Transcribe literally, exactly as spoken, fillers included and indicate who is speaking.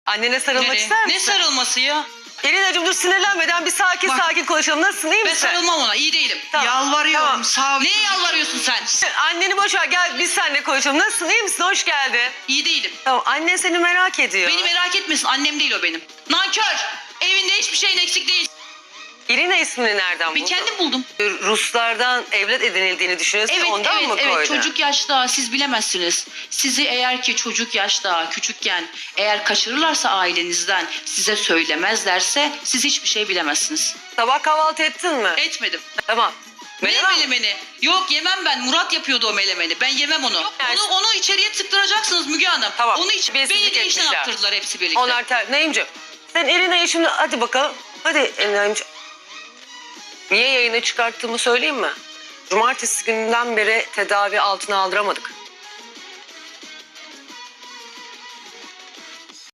Speaker 1: Annene sarılmak
Speaker 2: Nereye?
Speaker 1: ister misin?
Speaker 2: Ne sarılması ya?
Speaker 1: Elinacığım dur sinirlenmeden bir sakin
Speaker 2: Bak.
Speaker 1: sakin konuşalım. Nasılsın, iyi
Speaker 2: Ben
Speaker 1: misin?
Speaker 2: sarılmam ona, iyi değilim.
Speaker 1: Tamam.
Speaker 3: Yalvarıyorum.
Speaker 1: Tamam.
Speaker 3: Sağ ol.
Speaker 2: Neye yalvarıyorsun sen?
Speaker 1: Anneni boş ver, gel biz seninle konuşalım. Nasılsın, iyi misin? Hoş geldin.
Speaker 2: İyi değilim.
Speaker 1: Tamam, annen seni merak ediyor.
Speaker 2: Beni merak etmesin, annem değil o benim. Nankör! Evinde hiçbir şeyin eksik değil.
Speaker 1: İrina ismini nereden
Speaker 2: Ben
Speaker 1: buldun?
Speaker 2: kendim buldum.
Speaker 1: Ruslardan evlat edinildiğini düşünüyorsun,
Speaker 2: Evet,
Speaker 1: ondan
Speaker 2: evet,
Speaker 1: mı
Speaker 2: evet.
Speaker 1: koydun?
Speaker 2: Çocuk yaşta siz bilemezsiniz. Sizi eğer ki çocuk yaşta, küçükken eğer kaçırırlarsa ailenizden, size söylemezlerse siz hiçbir şey bilemezsiniz.
Speaker 1: Sabah kahvaltı ettin mi?
Speaker 2: Etmedim.
Speaker 1: Tamam.
Speaker 2: Ne
Speaker 1: Menemen mi?
Speaker 2: melemeni? Yok yemem ben. Murat yapıyordu o melemeni. Ben yemem onu.
Speaker 1: yani-
Speaker 2: Onu onu içeriye tıktıracaksınız Müge Hanım.
Speaker 1: Tamam.
Speaker 2: Onu iç.
Speaker 1: Beyinsizlik
Speaker 2: Beni de işten
Speaker 1: etmişler.
Speaker 2: yaptırdılar hepsi birlikte.
Speaker 1: Onlar ter... Neyimciğim? Sen Irina'yı şimdi hadi bakalım. Hadi Irina'cığım. Niye yayına çıkarttığımı söyleyeyim mi? Cumartesi gününden beri tedavi altına aldıramadık.